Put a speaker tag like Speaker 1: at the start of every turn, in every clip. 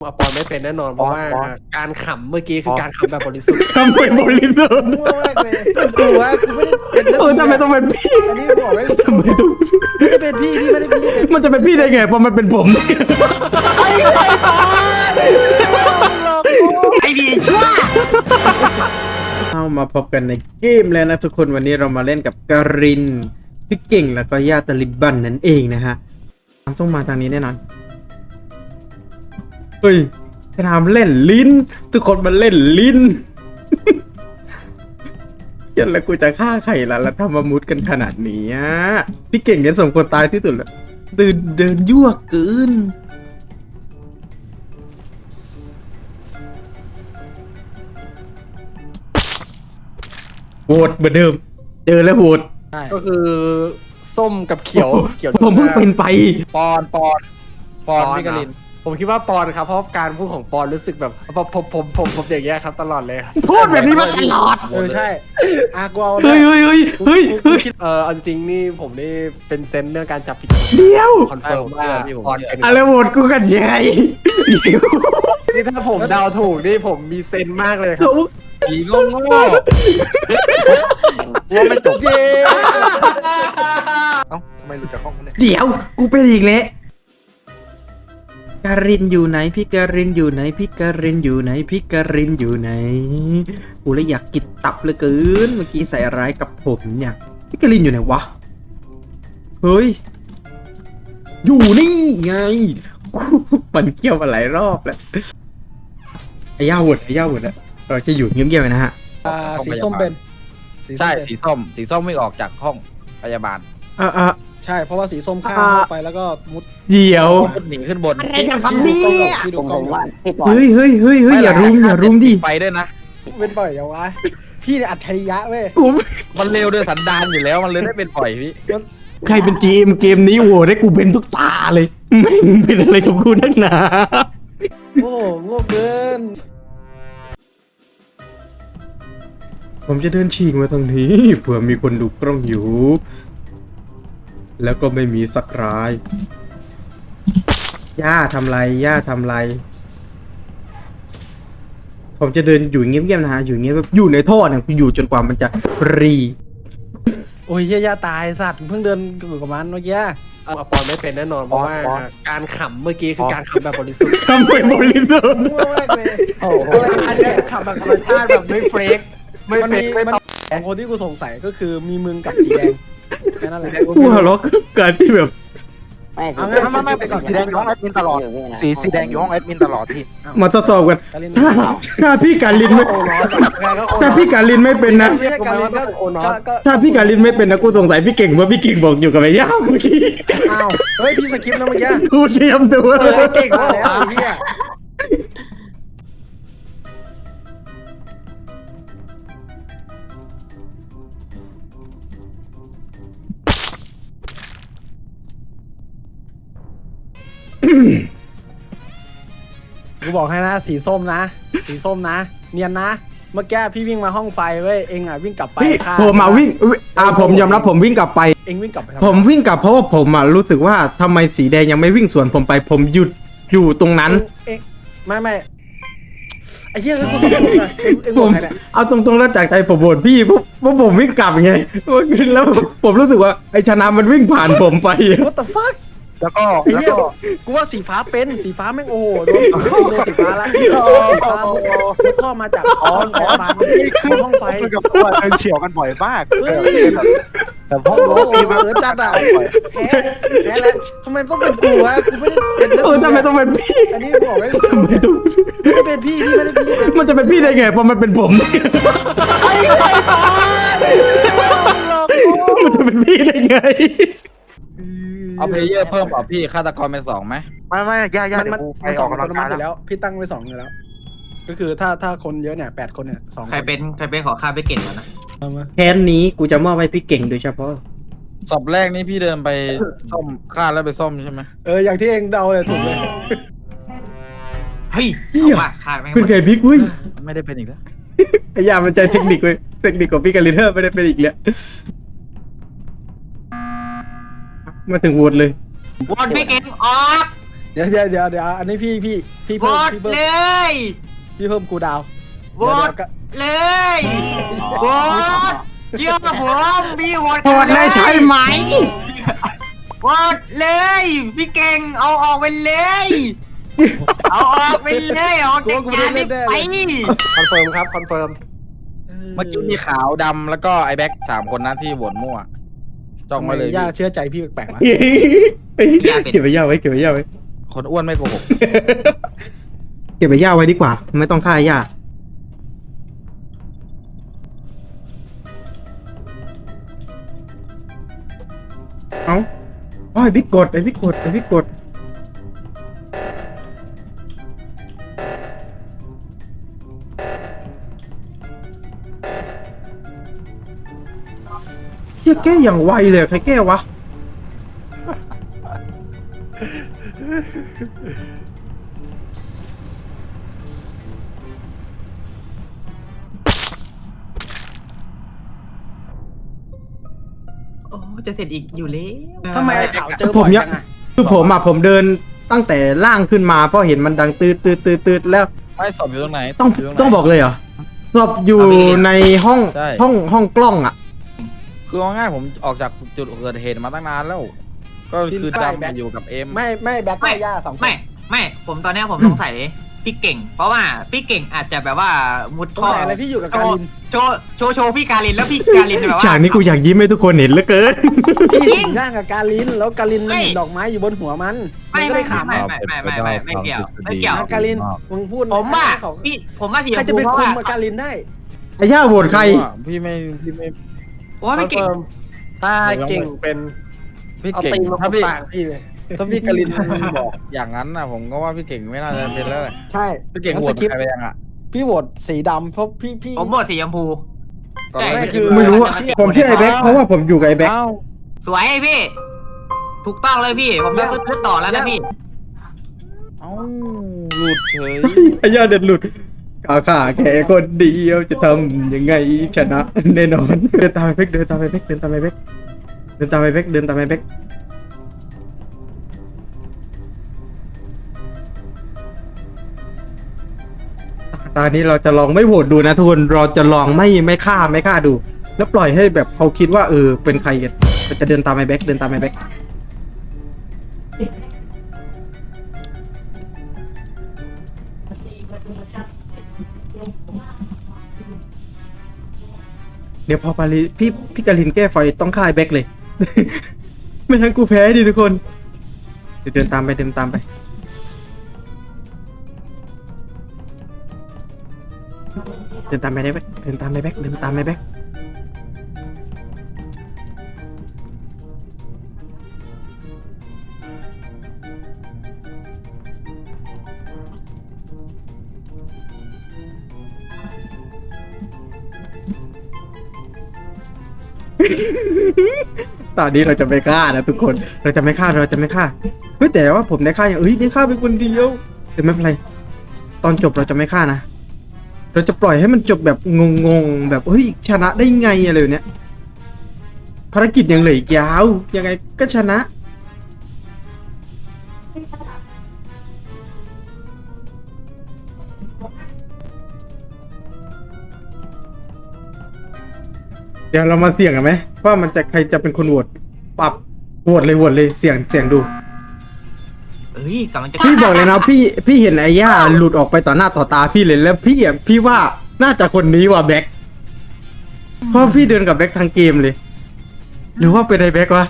Speaker 1: ปอนไม่เป็นแน่นอนเพราะว่าการขำเมื่อกี้คือการขำแบบบริสุทธิ์
Speaker 2: ทำไมบริสุทธิ์
Speaker 3: มั่วมากเลยเป็นกูวะกูไม่ได้เป็น
Speaker 2: ทำไมต้องเป็นพี่
Speaker 3: อันนี้บอกไว้
Speaker 2: ทำไมต้อง
Speaker 3: ไม่ได้เป็นพี่ไม่ได้เป็นพี่เป็น
Speaker 2: มันจะเป็นพี่ได้ไงเพราะมันเป็นผม
Speaker 4: ไอ้ดีชั่ว
Speaker 2: เอามาพบกันในเกมแล้วนะทุกคนวันนี้เรามาเล่นกับกรินพี่เก่งแล้วก็ญาติตาลิบันนั่นเองนะฮะต้องมาทางนี้แน่นอนเฮ้ยจะทำเล่นลิ้นทุกคนมันเล่นลิ้น เยันแล้วกูจะฆ่าใครล่ะแล้วทำมามุดกันขนาดนี้อ่ะพี่เก่งเนี่ยสมควรตายที่สุดแล้วเดินยั่วเกินโหวตเหมือนเดิมเจอแล้วโหวต
Speaker 1: ก็คือส้มกับเขียวเขียว
Speaker 2: ผมเพิ่งเป็นไป
Speaker 4: ปอนพี่กลิน
Speaker 1: ผมคิดว่าปอนครับเพราะการพูดของปอนรู้สึกแบบผมอย่างเงี้ยครับตลอดเลยครับ
Speaker 2: พูดแบบนี้มาตลอด
Speaker 3: ใช่กูเอา
Speaker 2: เฮ้ย
Speaker 1: เอาจริงๆนี่ผมนี่เป็นเซนส์เรื่องการจับผิด
Speaker 2: เดี๋ยว
Speaker 1: คอนเฟิร์มว่าปอนเป็น
Speaker 2: อะไรโหวตกูกันยังไง
Speaker 1: นี่ถ้าผมเดาถูกนี่ผมมีเซนส์มากเลยครับ
Speaker 4: ผีโง่ว่าไม่จบ
Speaker 3: เย้
Speaker 4: เอ้าทำไมหลุดจากห้องเนี่ย
Speaker 2: เดี๋ยวกูเป็นอีกแล้วการินอยู่ไหนพี่การินอยู่ไหนพี่การินอยู่ไหนพี่การินอยู่ไหนกูเลยอยากกินตับเหลือเกินเมื่อกี้ใส่ร้ายกับผมเนี่ยพี่การินอยู่ไหนวะเฮ้ยอยู่นี่ไงมันเกี่ยวมาหลายรอบแล้วไอ้ย่าหวดอะเราจะอยู่เงียบๆนะฮะ
Speaker 3: สีส้มเป็น
Speaker 4: ใช่สีส้มไม่ออกจากห้องพยาบาล
Speaker 3: ใช่เพราะว่าสีส้มข้ามเข้าไปแล้วก็มุด
Speaker 2: เดี๋ยว
Speaker 4: หนีขึ้นบน
Speaker 2: อะไรกันครับเนี่ย
Speaker 3: พี่ดูกล้อง
Speaker 2: เฮ้ยอย่ารุมดิ
Speaker 4: ไฟด้วยนะ
Speaker 3: เป็นปล่อยยังวะพี่เนี่ยอัจฉริยะเว้ย
Speaker 2: กู
Speaker 4: มันเร็วด้วยสันดานอยู่แล้วมันเลยได้เป็นปล่อยพี่
Speaker 2: ใครเป็น GM เกมนี้โว้ได้กูเป็นทุกตาเลยไม่งเป็นอะไรกับกูนักหนา
Speaker 3: โอ้โง่เกิน
Speaker 2: ผมจะเดินฉีกมาทางนี้เผื่อมีคนดูกล้องอยู่ แล้วก็ไม่มีสักรายย่าทำไรผมจะเดินอยู่เงียบๆนะฮะอยู่เงียบแบบอยู่ในท่อเนี่ยอยู่จนกว่ามันจะรี
Speaker 3: โอ้ยย่าตายสัตว์เพิ่งเดินอยู่กับมันเมื่อกี้
Speaker 1: ปอนไม่เป็นแน่นอนเพราะว่าการขำเมื่อกี้คือการขำแบบบริสุทธิ์
Speaker 2: ทำไมบริสุทธิ์
Speaker 3: มั่วมากเลย
Speaker 1: โอ้โหอันนี้ขำแบบธรรมชาติแบบไม่เฟกไม่
Speaker 3: มัน
Speaker 1: เฟ
Speaker 3: มี
Speaker 1: กไม่
Speaker 3: มัน
Speaker 1: ต้อง
Speaker 3: สองคนที่กูสงสัยก็คือมีมึงกับสีแดงแค่นั้นแหละ
Speaker 2: กูหัวเราะกับการที่แบบ
Speaker 3: เอางั้น
Speaker 4: ไม่สีแดงอยู่ห้องแอดมินตลอดสีแดงอยู่ห้องแอดมินตลอดพี่
Speaker 2: มาทดสอบกัน
Speaker 3: การเล่น
Speaker 2: ถ้าพี่การลินไม่
Speaker 1: โอ้ร้อนไงก็
Speaker 2: ถ้าพี่การลินไม่เป็นนะ
Speaker 3: ไม่ใช่การเล่นก็
Speaker 2: ถ้าพี่การลินไม่เป็นนะกูสงสัยพี่เก่งว่าพี่เก่งบอกอยู่กับไอ้ย่าเมื่อกี้
Speaker 3: อ้าวเฮ้ยพี่สคริปต์นะเมื่อกี้
Speaker 2: กูเตรียมตัวเลย
Speaker 3: เก่งมากแล้วไอ้เหี้ย กูบอกให้นะสีส้มนะเนียนนะเมื่อกี้พี่วิ่งมาห้องไฟเว้ยเองอ่ะวิ่งกลับไปค่ะ
Speaker 2: ผมมาวิ่งผมยอมรับผมวิ่งกลับไป
Speaker 3: เองวิ่งกลับไปทำไ
Speaker 2: ผมวิ่งกลับเพราะว่าผมรู้สึกว่าทำไมสีแดงยังไม่วิ่งสวนผมไปผมหยุดอยู่ตรงนั้น
Speaker 3: เองไม่ไอ้เหี้ยคือกูสับสนเลยเองบ
Speaker 2: ผ
Speaker 3: อก
Speaker 2: ม
Speaker 3: ใครเนี่ย
Speaker 2: เอาตรงๆแล้วจากใจผมโหวตพี่เพราะผมวิ่งกลับไงแล้วผมรู้สึกว่าไอ้ชนะมันวิ่งผ่านผมไป
Speaker 3: What the fuck
Speaker 4: แล้วก็
Speaker 3: ไอ้เหี้ยกูว่าสีฟ้าเป็นสีฟ้าแม่งโอ้โหโดนสีฟ้าละสีฟ้าท่อมาจากห้องพยาบาลมาห้องไฟ
Speaker 4: กับตัวเดินเฉียวกันบ่อยมาก
Speaker 3: เฮ้ย
Speaker 4: แต่พวก
Speaker 3: โอ้โหจัดอ่ะแพ้แล้วทำไมต้องเป็นกูวะกูไม่ได้เป็น
Speaker 2: ทำไมต้องเป็นพี่
Speaker 3: อันนี้บอกไว้
Speaker 2: ทำไมต้อง
Speaker 3: ไม่ได้เป็นพี่ไม่ได้พี่
Speaker 2: มันจะเป็นพี่ได้ไงเพราะมันเป็นผมมันจะเป็นพี่ได้ไง
Speaker 4: เอาเพลเยอร์เพิ่มเปล่าพี่ฆาตกรเป็น2ไหมไม่ย่า
Speaker 3: มันสองอัตโนมัติอยู่แล้วพี่ตั้งไว้2อยู่แล้ว ก็คือถ้าคนเยอะเนี่ย8คนเนี่ย2
Speaker 5: ใครเป็นขอข้าไปเก่งก่อนนะ
Speaker 2: แค้นนี้กูจะมอบให้พี่เก่งโดยเฉพาะ
Speaker 4: ศพแรกนี่พี่เดินไปซ่อมฆ่าแล้วไปซ่อมใช่ไหม
Speaker 3: อย่างที่เองเดาเลยถูกเลย
Speaker 5: เฮ้ยเอามาข้าไม่
Speaker 2: เป็นไงพี่กุ้ย
Speaker 4: ไม่ได้เป็นอีกแล้ว
Speaker 2: ไอ้ยามันใจเทคนิคเว้ยเทคนิคของพี่กับลิเทอร์ไม่ได้เป็นอีกแล้วมาถึงโหวตเลย
Speaker 5: วันพี่เก่งออก
Speaker 3: เดี๋ยวอันนี้พี่
Speaker 5: โหว
Speaker 3: เพิ่ม
Speaker 5: ต
Speaker 3: พี่เพิ่ม
Speaker 5: เลย
Speaker 3: พี่เพิ่มกูดาว
Speaker 5: โหวตเลยโหวตเชื่อผมพี่โหวต
Speaker 2: โหดเลยใช่ไหม
Speaker 5: โหวตเลยพี่เก่งเอาออกไปเลยเอาออกไปเลยเอาจากงานนี้ไป
Speaker 1: คอนเฟิร์มครับคอนเฟิร์ม
Speaker 4: เมื่อกี้มีขาวดำแล้วก็ไอ้แบ็ค3 คนนั้นที่โหวตมั่วจ้องมาเลย
Speaker 3: ย่าเชื่อใจพี่แปลกๆวะ
Speaker 2: เก็บไปย่าไว้เก็บไปย่าไว้
Speaker 4: คนอ้วนไม่โกหก
Speaker 2: เก็บไปย่าไว้ดีกว่าไม่ต้องฆ่าย่าเอาไอ้บิ๊กกดไอ้บิ๊กกดเชี่ยแก้อย่างไวเลยใครแก้วะ
Speaker 5: โอ้จะเสร็จอีกอยู่แล้ว
Speaker 3: ทำไมไอ้ข่าวเจอบ่อยจังอะ
Speaker 2: คือผมเดินตั้งแต่ล่างขึ้นมาเพราะเห็นมันดังตืดแล้ว
Speaker 4: ไม่สอบอยู่ตรงไหน
Speaker 2: ต้องบอกเลยเหรอศพอยู่ในห้อง
Speaker 4: ใช่
Speaker 2: ห้องกล้องอ่ะ
Speaker 4: คือเอาง่ายผมออกจากจุดเกิดเหตุมาตั้งนานแล้ว ก็คือดำมาอยู่กับเอ็ม
Speaker 3: ไม่แบ็คไม่ย่า2 คน
Speaker 5: ไม่ผมตอนนี้ผมสงสัยพี่เก่ง เพราะว่าพี่เก่งอาจจะแบบว่ามุด
Speaker 3: สง
Speaker 5: ท่อ
Speaker 3: สัยอะไรพี่อยู่กับการิน
Speaker 5: โชว์พี่การินแล้วพี่การินแบบว่า
Speaker 2: ฉากนี้กูอยากยิ้มให้ทุกคนเห็นเหลือเกิน
Speaker 3: พี่สิงร่างกับการินแล้วการินมันเห็นดอกไม้อยู่บนหัวมันก็เลยขำ
Speaker 5: ไม่เกี่ยว
Speaker 3: การินมึงพูด
Speaker 5: ผมว่าสี
Speaker 3: ใครจะไปคุมกับการินได้
Speaker 2: ไอ้ย่าโหวตใคร
Speaker 4: พี่ไม่
Speaker 5: ผมว่า
Speaker 1: คอ
Speaker 5: พี่
Speaker 1: น
Speaker 5: เก่ง
Speaker 1: เฟิร์มถ้าเก่งเป็น
Speaker 4: พี่
Speaker 1: เอา
Speaker 4: เก่ง
Speaker 1: ตีนมา
Speaker 4: ถ้าพี่
Speaker 1: ปากพี่เลย
Speaker 4: ถ้าพี่กลินบอกอย่างนั้นนะผมก็ว่าพี่เก่งไม่น่าจะเป็นแล้วแหละ
Speaker 3: ใช่
Speaker 4: พี่เก่งโหวตใครไปยังอ่ะ
Speaker 3: พี่โหวตสีดำเพราะพี่
Speaker 5: ผมโหวตสีชมพู
Speaker 4: ตอนแรก
Speaker 3: ไม่คือ
Speaker 2: ไม่รู้อะผมชื่อไอ้แบ็คเพราะว่าผมอยู่กับไอ้แบ็ค
Speaker 4: เอ้า
Speaker 5: สวยพี่ ถูกต้องเลยพี่ ผมจะขึ้นต่อแล้วนะพี่
Speaker 4: เอ้าหลุดเฉย
Speaker 2: ไอ้ย่าเด็ดหลุดขาแค่คนเดียวจะทำยังไงชนะแน่นอนเดินตามไอ้แบ็คเดินตามไอ้แบ็คตอนนี้เราจะลองไม่โหวตดูนะทุกคนเราจะลองไม่ฆ่าดู แล้วปล่อยให้แบบเขาคิดว่าเป็นใครกันเราจะเดินตามไอ้แบ็คเดี๋ยวพอปารีพี่กาลินแก้ไฟต้องฆ่าไอ้แบ็คเลย ไม่งั้นกูแพ้ดิทุกคนเดี๋ยวเดินตามไปเดินตามไปได้แบ็คเดินตามไอ้แบ็คตอนนี้เราจะไม่ฆ่านะทุกคนเราจะไม่ฆ่าเฮ้ยแต่ว่าผมได้ฆ่าได้ฆ่าเป็นคนเดียวแต่ไม่เป็นไรตอนจบเราจะไม่ฆ่านะเราจะปล่อยให้มันจบแบบงงแบบเฮ้ยชนะได้ไงอะไรแบบเนี้ยภารกิจยังเหลืออีกยาวยังไงก็ชนะเดี๋ยวเรามาเสี่ยงกันไหมว่ามันจะใครจะเป็นคนโหวตปรับโหวตเลยเสี่ยงดู
Speaker 5: เอ้ยกำลังจะ
Speaker 2: พี่บอกเลยนะพี่เห็นไอ้ย่าหลุดออกไปต่อหน้าต่อตาพี่เลยแล้วพี่ว่าน่าจะคนนี้ว่ะแบ็คเพราะพี่เดินกับแบ็คทางเกมเลย หรือว่าเป็นไอ้แบ็ควะ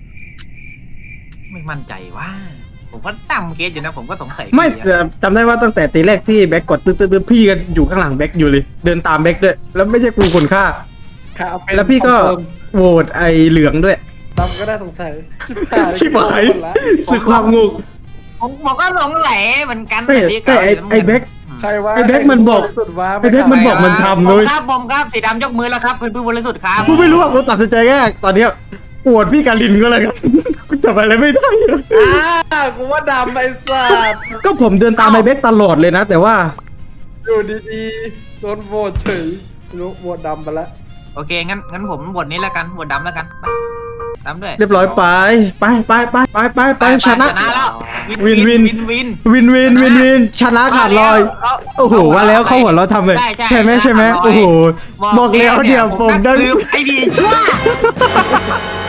Speaker 5: ไม่มั่นใจว่า ผมก็ตั้งเคสอยู่นะผมก็สงสัย
Speaker 2: ไม่แต่จำได้ว่าตั้งแต่ตีแรกที่แบ็คกดตื้อพี่กันอยู่ข้างหลังแบ็คอยู่เลย เดินตามแบ็คด้วยแล้วไม่ใช่กูคนฆ่า
Speaker 1: ค่ะเอาเป็น
Speaker 2: แล้วพี่ก็
Speaker 1: คอนเฟิร์ม
Speaker 2: โหวตไอ้เหลืองด้วย
Speaker 1: ดำก็ได้สงสัย
Speaker 2: ชิบหายสึกความงง
Speaker 5: ผมก็สงสัยเหมือนกัน
Speaker 2: แต่ไอ้แบ็ค
Speaker 1: ใครว่า
Speaker 2: ไอ้แบ็คมันบอก
Speaker 1: สุดว่า
Speaker 2: ไอ้แบ็คมันบอกมันทำ
Speaker 5: ผม
Speaker 2: เลย
Speaker 5: ครับสีดำยกมือแล้วครับเป็นผู้บริสุทธิ์ครับ
Speaker 2: กูไม่รู้ว่ากูตัดสินใจแค่ตอนเนี้ยปวดพี่กาลินก็เลยครับ กูทำอะไรไม่ได้เลย
Speaker 1: กูว่าดำไอ้สัตว์
Speaker 2: ก็ผมเดินตามไอ้แบ็คตลอดเลยนะ แต่ว่า
Speaker 1: อยู่ดีๆโดนโหวตเฉยรู้โหวตดำไปแล้ว
Speaker 5: โอเคงั้นผมบทนี้แล้วกันบทดำแล้วกันไปตามด้วย
Speaker 2: เรียบร้อยไปชนะ
Speaker 5: แล้ว
Speaker 2: วิน
Speaker 5: วิน
Speaker 2: วินชนะขาดลอยโอ้โหว่าแล้วเขาหัวเราะทำเลยใช่ไหมโอ้โหบอกแล้วเดี๋ยวผมได้
Speaker 5: ไอ้ดีชั่ว